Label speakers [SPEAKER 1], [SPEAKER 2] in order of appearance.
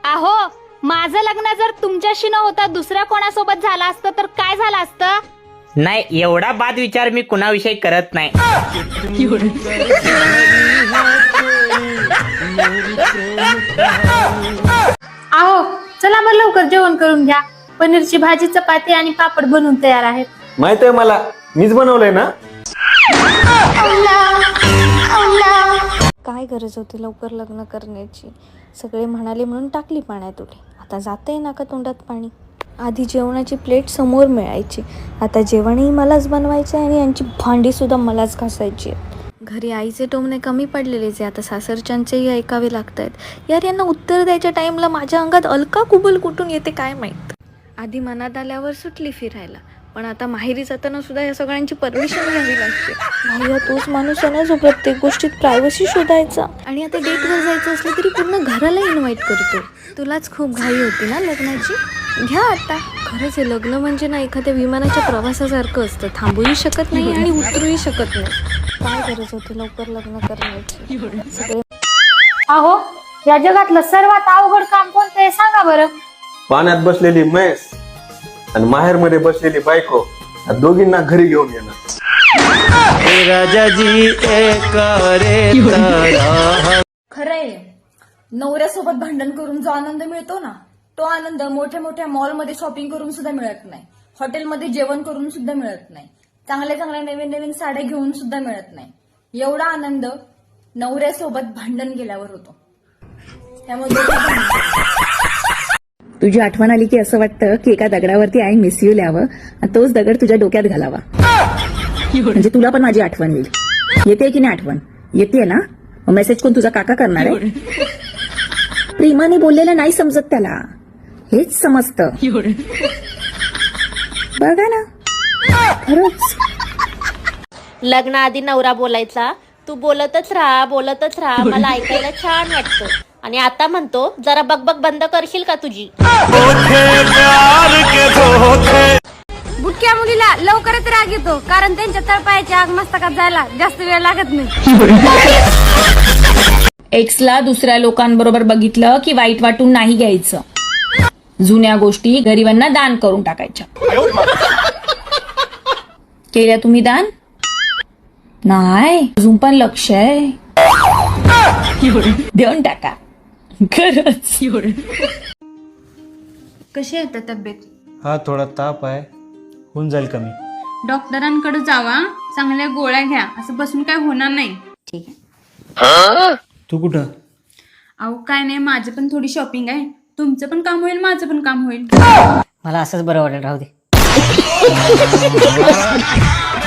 [SPEAKER 1] अहो माझं लग्न जर तुमच्याशी न होता दुसऱ्या कोणासोबत झालं असतं तर काय झालं असतं?
[SPEAKER 2] नाही, एवढा बाद विचार मी कुणाविषयी करत नाही.
[SPEAKER 1] अहो चला मग लवकर जेवण करून घ्या. पनीरची भाजी, चपाती आणि पापड बनवून तयार आहेत.
[SPEAKER 3] माहित आहे मला, मीच बनवलंय ना.
[SPEAKER 4] काय गरज होती लवकर लग्न करण्याची? सगळे म्हणाले म्हणून टाकली पाण्यात उडी. आता जाते नाका तोंडात पाणी. आधी जेवणाची प्लेट समोर मिळायची, आता जेवणही मलाच बनवायचं आहे आणि यांची भांडीसुद्धा मलाच घासायची आहेत. घरी आईचे टोमणे कमी पडलेलेच आहे, आता सासरच्यांचेही ऐकावे लागत आहेत. यार यांना उत्तर द्यायच्या टाईमला माझ्या अंगात अलका कुबल कुठून येते काय माहीत. आधी मनात आल्यावर सुटली फिरायला, पण आता माहेरी जाताना सुद्धा या सगळ्यांची परमिशन घ्यावी लागते. भैया तोच माणूस आहे ना जो प्रत्येक गोष्टीत प्रायव्हसी शोधायचा, आणि आता डेटवर जायचं असलं तरी पूर्ण घराला इन्व्हाइट करतो. तुलाच खूप घाई होती ना लग्नाची? घ्या आता. खरंच हे लग्न म्हणजे ना एखाद्या विमानाच्या प्रवासासारखं असतं, थांबूही शकत नाही आणि उतरूही शकत नाही. काय गरज होती लवकर लग्न करण्याची? सगळे
[SPEAKER 1] अहो या जगातलं सर्वात अवघड काम कोणतं आहे सांगा बरं?
[SPEAKER 3] पाण्यात बसलेली म्हैस आणि माहेर मध्ये बसलेली बायको, या दोघींना घरी घेऊन येणार.
[SPEAKER 5] खरंय, नवऱ्यासोबत भांडण करून जो आनंद मिळतो ना, तो आनंद मोठ्या मोठ्या मॉलमध्ये शॉपिंग करून सुद्धा मिळत नाही, हॉटेलमध्ये जेवण करून सुद्धा मिळत नाही, चांगल्या चांगल्या नवीन नवीन साड्या घेऊन सुद्धा मिळत नाही. एवढा आनंद नवऱ्यासोबत भांडण केल्यावर होतो. त्यामुळे
[SPEAKER 6] तुझी आठवण आली की असं वाटतं की एका दगडावरती आय मिस यू लिहावं आणि तोच दगड तुझ्या डोक्यात घालावा, म्हणजे तुला पण माझी आठवण येईल. येते की नाही आठवण? येते ना? मेसेज कोण तुझा काका करणार आहे? प्रेमाने बोललेलं नाही समजत त्याला, हेच समजतं. बघा ना, खरंच.
[SPEAKER 7] लग्नाआधी नवरा बोलायचा, तू बोलतच राहा मला ऐकायला छान वाटतं, आणि आता म्हणतो जरा बकबक बंद करशील का तुझी?
[SPEAKER 1] बुटक्या मुलीला लवकरच राग येतो, कारण त्यांच्या तळपायाच्या आग मस्तकात जायला जास्त वेळ लागत नाही.
[SPEAKER 6] एक्सला दुसऱ्या लोकांबरोबर बघितलं की वाईट वाटून नाही घ्यायचं. जुन्या गोष्टी गरिबांना दान करून टाकायच्या. केल्या तुम्ही दान? नाही, अजून पण लक्ष आहे. देऊन टाका खरंच.
[SPEAKER 8] कशी आहे तब्येत?
[SPEAKER 9] हा, थोडा ताप आहे, होऊन जाईल कमी.
[SPEAKER 8] डॉक्टरांकडे जावा, चांगल्या गोळ्या घ्या, असं बसून काय होणार नाही. ठीक आहे.
[SPEAKER 9] तू कुठं?
[SPEAKER 8] अहो काय नाही, माझी पण थोडी शॉपिंग आहे, तुमचं पण काम होईल, माझं पण काम होईल.
[SPEAKER 2] मला असंच बरं वाटेल, राहू दे.